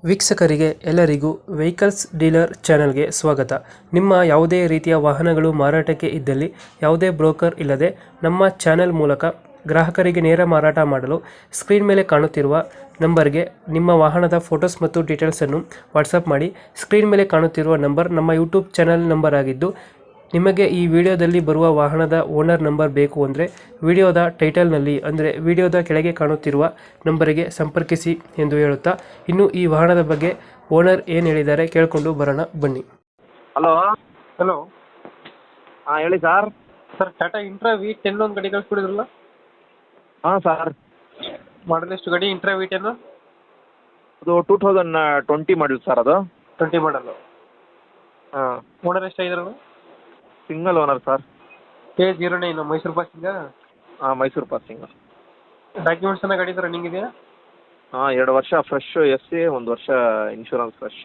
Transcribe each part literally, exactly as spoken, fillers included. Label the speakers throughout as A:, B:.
A: ವೀಕ್ಷಕರಿಗೆ ಎಲ್ಲರಿಗೂ vehicles dealer ಚಾನೆಲ್ಗೆ ಸ್ವಾಗತ. ನಿಮ್ಮ ಯಾವುದೇ ರೀತಿಯ ವಾಹನಗಳು ಮಾರಾಟಕ್ಕೆ ಇದ್ದಲ್ಲಿ ಯಾವುದೇ ಬ್ರೋಕರ್ ಇಲ್ಲದೆ ನಮ್ಮ ಚಾನೆಲ್ ಮೂಲಕ ಗ್ರಾಹಕರಿಗೆ ನೇರ ಮಾರಾಟ ಮಾಡಲು ಸ್ಕ್ರೀನ್ ಮೇಲೆ ಕಾಣುತ್ತಿರುವ ನಂಬರ್ಗೆ ನಿಮ್ಮ ವಾಹನದ ಫೋಟೋಸ್ ಮತ್ತು ಡೀಟೇಲ್ಸನ್ನು ವಾಟ್ಸಪ್ ಮಾಡಿ. ಸ್ಕ್ರೀನ್ ಮೇಲೆ ಕಾಣುತ್ತಿರುವ ನಂಬರ್ ನಮ್ಮ ಯೂಟ್ಯೂಬ್ ಚಾನೆಲ್ ನಂಬರ್ ಆಗಿದ್ದು, ನಿಮಗೆ ಈ ವಿಡಿಯೋದಲ್ಲಿ ಬರುವ ವಾಹನದ ಓನರ್ ನಂಬರ್ ಬೇಕು ಅಂದರೆ ವಿಡಿಯೋದ ಟೈಟಲ್ನಲ್ಲಿ ಅಂದರೆ ವಿಡಿಯೋದ ಕೆಳಗೆ ಕಾಣುತ್ತಿರುವ ನಂಬರಿಗೆ ಸಂಪರ್ಕಿಸಿ ಎಂದು ಹೇಳುತ್ತಾ, ಇನ್ನು ಈ ವಾಹನದ ಬಗ್ಗೆ ಓನರ್ ಏನು ಹೇಳಿದ್ದಾರೆ ಕೇಳಿಕೊಂಡು ಬರೋಣ ಬನ್ನಿ.
B: ಹಲೋ
A: ಹಲೋ
B: ಹಾಂ ಹೇಳಿ sir.
A: Sir, Tata Intra V ten ಒಂದು ಗಾಡಿ ಕಳಿಸ್ಕೊಡಿದ್ರಲ್ಲ,
B: ಹಾಂ ಸರ್,
A: ಮಾಡಲ್ ಎಷ್ಟು ಗಾಡಿ? ಇಂಟ್ರಾ ವಿ ಟೆನ್
B: ಅದು two thousand twenty model sir. ಅದು
A: ಟ್ವೆಂಟಿ ಮಾಡಲು.
B: ಹಾಂ,
A: ಓನರ್ ಎಷ್ಟಾಗಿದ್ರು?
B: Single owner sir.
A: K zero nine Mysuru passing.
B: ಹಾಂ, ಮೈಸೂರು ಪಾಸಿಂಗ್.
A: ಡಾಕ್ಯುಮೆಂಟ್ಸ್ ಎಲ್ಲ ಗಾಡಿ ರನ್ನಿಂಗ್ ಇದೆಯಾ?
B: ಹಾಂ, ಎರಡು ವರ್ಷ ಫ್ರೆಶ್ ಎಸ್ ಸಿ, ಒಂದು ವರ್ಷ ಇನ್ಶೂರೆನ್ಸ್ ಫ್ರೆಶ್.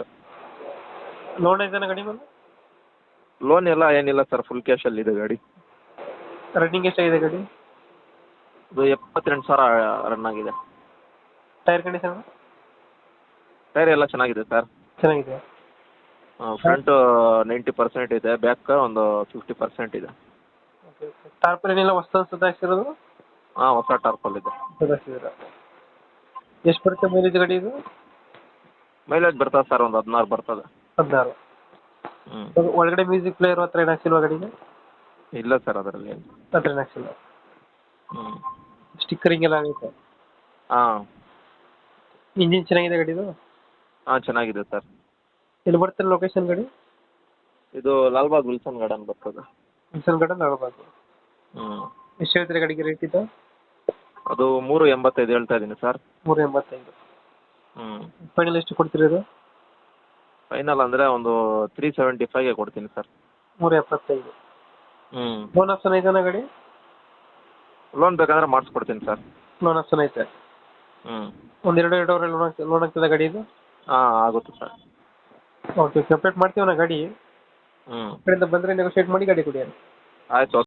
A: ಲೋನ್ ಐತಾನ ಗಾಡಿ ಮೇಲೆ?
B: ಲೋನ್ ಎಲ್ಲ ಏನಿಲ್ಲ ಸರ್, ಫುಲ್ ಕ್ಯಾಶಲ್ಲಿ ಇದೆ ಗಾಡಿ.
A: ರನ್ನಿಂಗ್ ಎಷ್ಟಾಗಿದೆ ಗಾಡಿ?
B: ಅದು ಎಪ್ಪತ್ತೆಂಟು ಸಾವಿರ ರನ್ ಆಗಿದೆ.
A: ಟೈರ್ ಕಂಡೀಷನ್
B: ಟೈರ್ ಎಲ್ಲ ಚೆನ್ನಾಗಿದೆ ಸರ್.
A: ಚೆನ್ನಾಗಿದೆ.
B: ಫ್ರಂಟು ನೈಂಟಿ ಪರ್ಸೆಂಟ್ ಇದೆ, ಬ್ಯಾಕ್ ಒಂದು ಫಿಫ್ಟಿ ಪರ್ಸೆಂಟ್ ಇದೆ.
A: Okay okay. ಟಾರ್ಪಲ್ ಏನಿಲ್ಲ ಹೊಸ ಸುಧಾರಿಸಿರೋದು?
B: ಹಾಂ, ಹೊಸ ಟಾರ್ಪಲ್ ಇದೆ.
A: ಸುಧಾರಿಸಿದ್ದೀರಾ? ಎಷ್ಟು ಬರುತ್ತೆ ಮೈಲೇಜ್ ಗಾಡಿ ಇದು?
B: ಮೈಲೇಜ್ ಬರ್ತದೆ ಸರ್, ಒಂದು ಹದಿನಾರು ಬರ್ತದೆ.
A: ಹದಿನಾರು.
B: ಹ್ಞೂ,
A: ಒಳಗಡೆ ಮ್ಯೂಸಿಕ್ ಪ್ಲೇಯರ್ ಹತ್ರ ಏನು ಹಾಕ್ಸಿಲ್ವಾ ಗಾಡಿಗೆ?
B: ಇಲ್ಲ ಸರ್, ಅದರಲ್ಲಿ ಏನು.
A: ಹತ್ರ ಏನು ಹಾಕ್ಸಿಲ್ಲ.
B: ಹ್ಞೂ,
A: ಸ್ಟಿಕ್ಕರಿಂಗ್ ಎಲ್ಲ ಆಗೈತೆ?
B: ಹಾಂ
A: ಇಂಜಿನ್ ಚೆನ್ನಾಗಿದೆ ಗಾಡಿದು?
B: ಹಾಂ, ಚೆನ್ನಾಗಿದೆ ಸರ್.
A: ಎಲ್ಲಿ ಬರ್ತಾರೆ ಲೊಕೇಶನ್ ಗಾಡಿ?
B: ಇದು ಲಾಲ್ಬಾಗ್ ವಿಲ್ಸನ್ ಗಾರ್ಡನ್ ಬರ್ತದೆ.
A: ವಿಲ್ಸನ್ ಗಾರ್ಡನ್ ಆಗಬಾರ್ದು.
B: ಹ್ಞೂ,
A: ಎಷ್ಟು ಹೇಳ್ತೀರಾ ಗಾಡಿಗೆ ರೇಟ್ ಇದು?
B: ಅದು ಮೂರು ಎಂಬತ್ತೈದು ಹೇಳ್ತಾ ಇದ್ದೀನಿ ಸರ್.
A: ಮೂರು ಎಂಬತ್ತೈದು.
B: ಹ್ಞೂ,
A: ಫೈನಲ್ ಎಷ್ಟು ಕೊಡ್ತೀರಾ ಇದು?
B: ಫೈನಲ್ ಅಂದರೆ ಒಂದು ತ್ರೀ ಸೆವೆಂಟಿ ಫೈವ್ಗೆ ಕೊಡ್ತೀನಿ ಸರ್.
A: ಮೂರು ಎಪ್ಪತ್ತೈದು.
B: ಹ್ಞೂ,
A: ಲೋನ್ ಆಪ್ಷನ್ ಐತಾನ ಗಾಡಿ?
B: ಲೋನ್ ಬೇಕಂದ್ರೆ ಮಾಡಿಸ್ಕೊಡ್ತೀನಿ ಸರ್.
A: ಲೋನ್ ಆಪ್ಷನ್ ಐತೆ?
B: ಹ್ಞೂ,
A: ಒಂದು ಎರಡು ಎರಡೂವರೆ ಲೋನ್ ಆಗ್ತದೆ ಲೋನ್ ಆಗ್ತದೆ ಗಾಡಿ ಇದು?
B: ಹಾಂ, ಆಗುತ್ತೆ ಸರ್.
A: ಓಕೆ, ಕಂಪ್ಲೀಟ್ ಮಾಡ್ತೀವಿ ನಾ ಗಾಡಿ.
B: ಹ್ಞೂ,
A: ಕಡೆಯಿಂದ ಬಂದರೆ ನೆಗೋಷಿಯೇಟ್ ಮಾಡಿ ಗಾಡಿ ಕೊಡಿ.
B: ಆಯಿತು.